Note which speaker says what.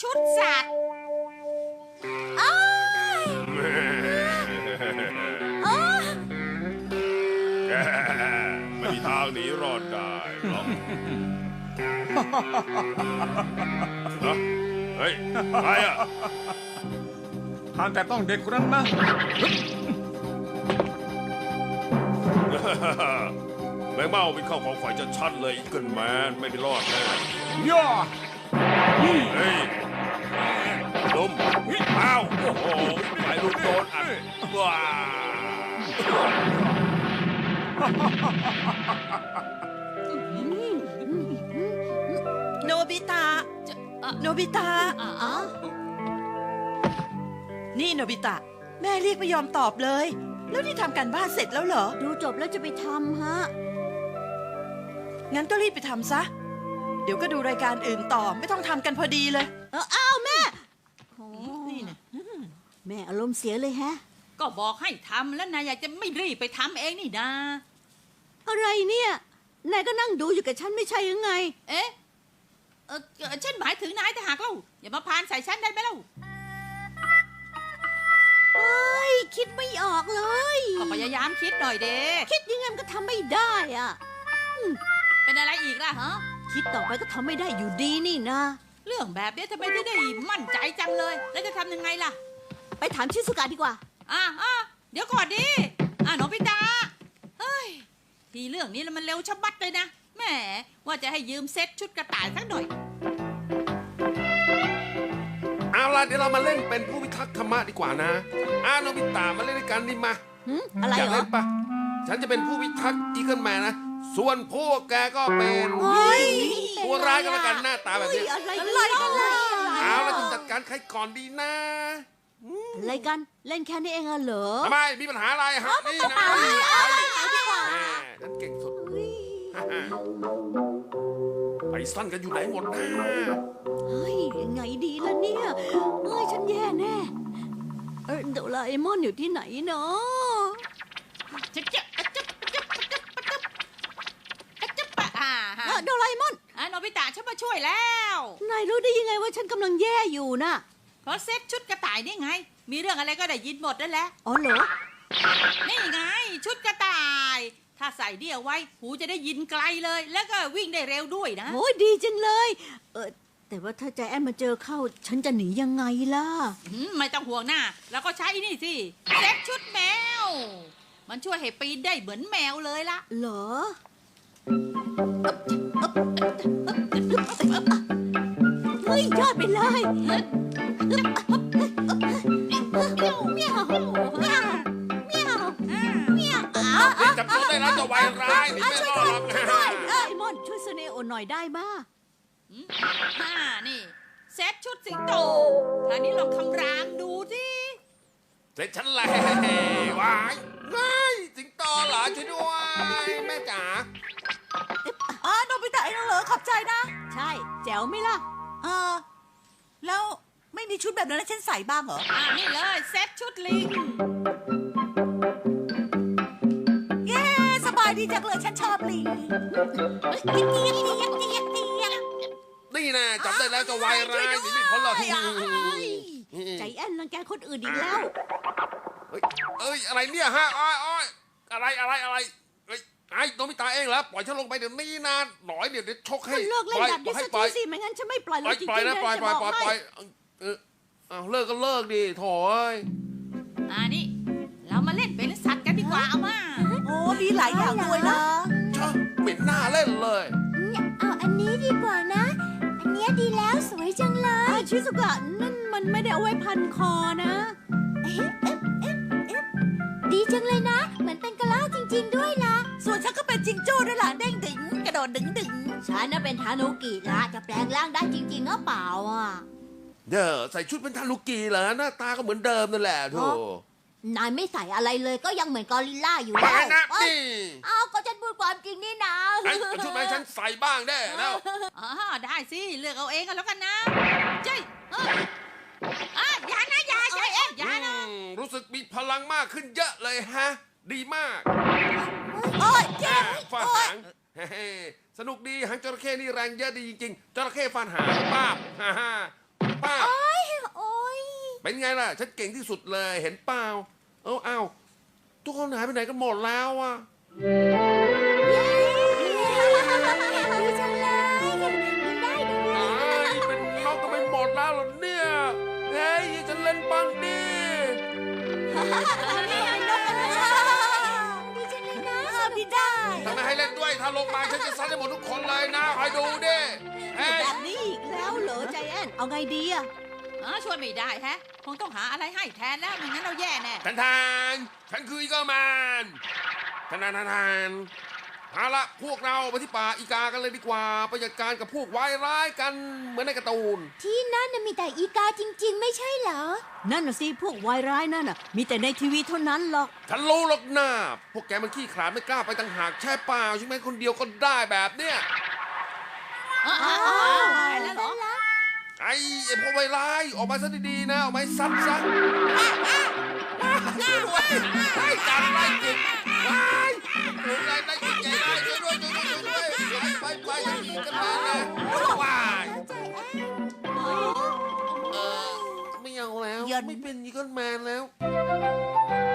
Speaker 1: ชุดสัตว์อ้ายอ้า
Speaker 2: แกไม่มีทางหนีรอดได้หรอกฮะเฮ้ยใครอ่ะ
Speaker 3: ห้ามแต่ต้องเด็กคนนั้นนะ
Speaker 2: แมงเม่าเป็นเข้าของฝ่ายจะชัดเลยอีเกิลแมนไม่ไปรอดแน่
Speaker 3: ย่อ
Speaker 2: เฮ้ยลุมอ้าวโอ้โหฝ่ายลุมโดนอัดว้า
Speaker 1: โนบิตะโนบิตะนี่โนบิตะแม่เรียกไม่ยอมตอบเลย แล้วนี่ทำการบ้านเสร็จแล้วเหรอ
Speaker 4: ดูจบแล้วจะไปทำฮะ
Speaker 1: งั้นก็รีบไปทำซะ เดี๋ยวก็ดูรายการอื่นต่อไม่ต้องทำกันพอดีเลย
Speaker 4: อ้าวแม่โอ้
Speaker 1: นี่นะ
Speaker 4: แม่อารมณ์เสียเลยแฮะ
Speaker 5: ก็บอกให้ทำแล้วนายอยากจะไม่รีบไปทำเองนี่นา
Speaker 4: อะไรเนี่ย นายก็นั่งดูอยู่กับฉันไม่ใช่ยังไง
Speaker 5: เอ๊ะฉันหมายถึงนายแต่หากเล่าอย่ามาพานใส่ฉันได้ไหมเล่า
Speaker 4: เฮ้ย คิดไม่ออกเลย
Speaker 5: ก็พยายามคิดหน่อยเด้
Speaker 4: คิดยังไงมันก็ทำไม่ได้อะ
Speaker 5: เป็นอะไรอีกล่ะฮะ
Speaker 4: คิดต่อไปก็ทำไม่ได้อยู่ดีนี่นะ
Speaker 5: เรื่องแบบนี้ทำไมถึงได้มั่นใจจังเลย แล้วจะทำยังไงล่ะ
Speaker 4: ไปถามชิสุกะดีกว่า
Speaker 5: เดี๋ยวก่อนดิโนบิตะเฮ้ยทีเรื่องนี้แล้วมันเร็วชะบัดเลยนะแหมว่าจะให้ยืมเซ็ตชุดกระต่ายสักหน่อย
Speaker 2: เอาล่ะเดี๋ยวเรามาเล่นเป็นผู้พิทักษ์ธรรมะดีกว่านะโนบิตะมาเล่นด้วยกันดิมา
Speaker 4: อะไร
Speaker 2: อยาก
Speaker 4: เหรอ
Speaker 2: เล่นปะฉันจะเป็นผู้พิทักษ์อีเกิลแมนนะส่วนพวกแกก็เป็น
Speaker 4: เฮ้ย
Speaker 2: ตัวร้ายกันแล้วกันหน้าตาแบบ
Speaker 4: เฮ้ย
Speaker 2: นี้
Speaker 4: อะไรกันล่ะ
Speaker 2: เอาแล้วจะจัดการใครก่อนดีนะ
Speaker 4: อะไรกัน เล่นแค่นี้เองเหรอ
Speaker 2: ทำไมมีปัญหาอะไรฮะนี่นะ
Speaker 4: เอาดีกว่า
Speaker 2: แม่ฉันเก่งสุด ไปสั้นกันอยู่ไหนหมดนะ
Speaker 4: เฮ้ยยังไงดีล่ะเนี่ยเอ้ยฉันแย่แน่โดราเอมอนอยู่ที่ไหนเนาะ โดราเอมอน
Speaker 5: โนบิตะฉันมาช่วยแล้ว
Speaker 4: นายรู้ได้ยังไงว่าฉันกำลังแย่อยู่น่ะ
Speaker 5: เพราะเซ็ตชุดกระต่ายนี่ไง มีเรื่องอะไรก็ได้ยินหมดนั่นแหละ
Speaker 4: อ๋อเหรอ
Speaker 5: นี่ไง ชุดกระต่าย ถ้าใส่เดี่ยวไว้หูจะได้ยินไกลเลย แล้วก็วิ่งได้เร็วด้วยนะ
Speaker 4: โอ้ยดีจังเลยแต่ว่าถ้าใจแอนมาเจอเข้า ฉันจะหนียังไงล่ะ
Speaker 5: ไม่ต้องห่วงหน้าแล้วก็ใช้นี่สิเซ็ตชุดแมว มันช่วยให้ปีนได้เหมือนแมวเลยล่ะ
Speaker 4: เหรอเฮ้ยยอดไปเลยเมียวเมียวเมียวเมียวเมียวเมียว
Speaker 2: จับตัวได้แล้วจะวายร้ายหนีไม่รอดหรอก
Speaker 4: ไอ้มอนช่วยเสเนโอหน่อยได้มา
Speaker 5: นี่เซ็ตชุดสิงโตท่านี้ลองคำรามดูสิ
Speaker 2: เสร็จฉันแล้ววายง่ายสิงโตเหรอช่วยด้วยแม่จ๋า
Speaker 1: โนบิตะเองเหรอขอบใจนะ
Speaker 4: ใช่แจ๋วไหมล่ะ
Speaker 1: แล้วไม่มีชุดแบบนั้นให้ฉันใส่บ้างเหรอ
Speaker 5: นี่เลยเซ็ตชุดลิง
Speaker 1: เย้สบายดีจังเลยฉันชอบลิง
Speaker 2: นี่นะจับได้แล้วจะวายร้ายหนีไม่พ้นหรอก
Speaker 4: ใจแอนรังแกคนอื่นอีกแล้ว
Speaker 2: เอ้ยอะไรเนี่ยฮะอ้อยอะไรเอ้ยไอ้โนบิตะเองเหรอปล่อยฉันลงไปเดี๋ยวนี้นะหน่อยเดี๋ยวชกให้
Speaker 4: คุณเลิกเล่นแบบนี้
Speaker 2: ให้
Speaker 4: สัก
Speaker 2: ปล่
Speaker 4: ที
Speaker 2: อย
Speaker 4: สิไม่งั้นฉันไม่ปล่อย
Speaker 2: ป
Speaker 4: เล
Speaker 2: ล่อย
Speaker 4: ยจริง
Speaker 2: ปล่อย
Speaker 4: ๆ
Speaker 2: นะ
Speaker 4: นะ
Speaker 2: ปล่อย
Speaker 4: จะบอกให้
Speaker 2: เอาเลิกก็เลิกดิโถ่เอ้ย
Speaker 5: นี่เรามาเล่นเป็นสัตว์กันดีกว่าเอามา
Speaker 1: โอ้มีหลายอย่างด้วยนะ
Speaker 2: ชะเหม็นหน้าเล่นเลย
Speaker 6: เอาอันนี้ดีกว่านะ อันเนี้ยดีแล้วสวยจังเลย
Speaker 4: ชิสุกะนั่นมันไม่ได้เอาไว้พันคอนะ
Speaker 6: ดีจังเลยนะ เหมือนเป็นกระรอกจริงๆด้วยล่ะ
Speaker 1: ส่วนฉันก็เป็นจิงโจ้ด้วยล่ะเด้งดึงกระโดดดึงดึง
Speaker 4: ฉันน่ะเป็นทานุกิละจะแปลงร่างได้จริงๆหรือเปล่าอ่ะ
Speaker 2: เด้อใส่ชุดเป็นทานุกิเหรอหน้าตาก็เหมือนเดิมนั่นแหละโถ่
Speaker 4: นายไม่ใส่อะไรเลยก็ยังเหมือนกอริลลาอยู่
Speaker 2: มา
Speaker 4: แล้ว
Speaker 2: นะ
Speaker 4: เอ้ย
Speaker 2: นี่
Speaker 4: เอาก็ฉันพูดความจริงนี่นะ
Speaker 2: ไอ้ชุดไหนฉันใส่บ้างได้แล้ว
Speaker 5: ได้สิเลือกเอาเองกันแล้วกันนะเจ้ยอย่านะ
Speaker 2: รู้สึกมีพลังมากขึ้นเยอะเลยฮะ ดีมาก
Speaker 1: โอ้ยเจ็
Speaker 2: ฟาดหางเฮ้สนุกดีหางจระเข้นี่แรงเยอะดีจริงๆจระเข้ฟาดหางป้าบฮ่าฮ่าป้า
Speaker 6: โอ้ย
Speaker 2: เป็นไงล่ะ ฉันเก่งที่สุดเลยเห็นเปล่าเอาทุกคนหายไปไหนกันหมดแล้วอ่ะ
Speaker 6: ดีจังเลยมันได้ดู
Speaker 2: เป็นนกก็ไม่หมดแล้วเหรอเนี่ยเฮ้ยฉันเล่นบ้างดิ
Speaker 6: ดีจังเลยนะดีได้
Speaker 2: ทำไมให้เล่นด้วยถ้าลงมาฉันจะซัดให้หมดทุกคนเลยนะคอยดูดิเฮ้ย
Speaker 4: แบบนี้อีกแล้วเหรอใจแอนเอาไงดีอะ
Speaker 5: ช่วยไม่ได้แฮะ คงต้องหาอะไรให้แทนแล้วไม่งั้นเราแย่แน่
Speaker 2: ทันฉันคืออีเกอร์แมนทันเอาละพวกเราไปที่ป่าอีกากันเลยดีกว่าไปจัดการกับพวกวายร้ายกันเหมือนในการ์ตูน
Speaker 6: ที่นั่นน่ะมีแต่อีกาจริง ๆ ไม่ใช่เหรอ
Speaker 4: นั่นน่ะสิพวกวายร้ายนั่นน่ะ มีแต่ในทีวีเท่านั้นหรอก
Speaker 2: ฉันรู้หรอกนะพวกแกมันขี้ขลาดไม่กล้าไปต่างหากใช่เปล่าใช่ไหมคนเดียวก็ได้แบบเนี้ย
Speaker 5: ตายแล้วเหรอ
Speaker 2: ไอ้พวกวายร้ายออกมาซะดีๆนะออกมาให้ซัดซะช่วยด้วยไอ้การไล่จิกไล่จิกใจได้ช่วยด้วยไปอย่าหนีกันมานะว้ายไม่เอาแล้วไม่เป็นอีเกิลแมนแล้ว